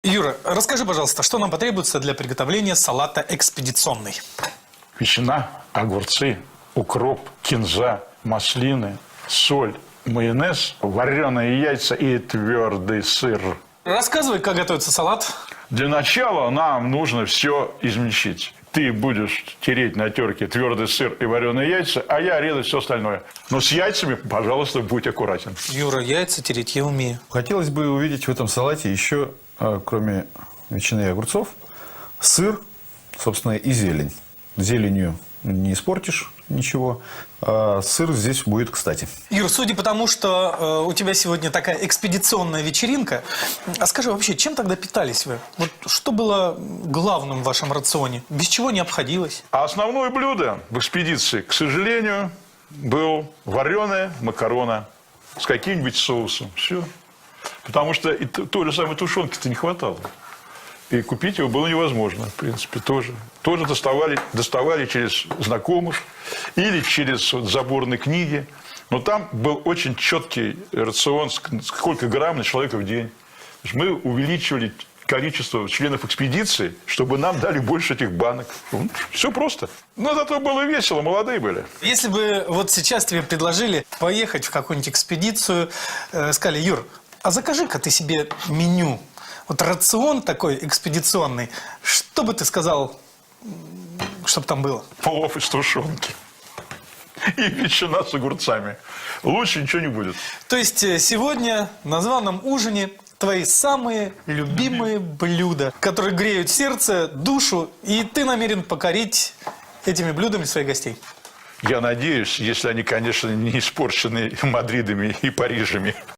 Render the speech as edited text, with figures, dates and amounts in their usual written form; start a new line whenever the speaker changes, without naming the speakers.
Юра, расскажи, пожалуйста, что нам потребуется для приготовления салата экспедиционный?
Ветчина, огурцы, укроп, кинза, маслины, соль, майонез, вареные яйца и твердый сыр.
Рассказывай, как готовится салат.
Для начала нам нужно все измельчить. Ты будешь тереть на терке твердый сыр и вареные яйца, а я резать все остальное. Но с яйцами, пожалуйста, будь аккуратен.
Юра, яйца тереть я умею.
Хотелось бы увидеть в этом салате еще, кроме ветчины и огурцов, сыр, собственно, и зелень. Зеленью не испортишь ничего, а сыр здесь будет кстати.
Юр, судя по тому, что у тебя сегодня такая экспедиционная вечеринка, а скажи вообще, чем тогда питались вы? Вот что было главным в вашем рационе? Без чего не обходилось?
А основное блюдо в экспедиции, к сожалению, был вареная макарона с каким-нибудь соусом. Все. Потому что и той же самой тушенки-то не хватало. И купить его было невозможно, в принципе, тоже. Тоже доставали через знакомых или через заборные книги. Но там был очень четкий рацион, сколько грамм на человека в день. То есть мы увеличивали количество членов экспедиции, чтобы нам дали больше этих банок. Все просто. Но зато было весело, молодые были.
Если бы вот сейчас тебе предложили поехать в какую-нибудь экспедицию, сказали, Юр, а закажи-ка ты себе меню. Вот рацион такой экспедиционный, что бы ты сказал, чтобы там было?
Плов из тушенки. И ветчина с огурцами. Лучше ничего не будет.
То есть сегодня на званом ужине твои самые любимые блюда, которые греют сердце, душу, и ты намерен покорить этими блюдами своих гостей.
Я надеюсь, если они, конечно, не испорчены Мадридами и Парижами.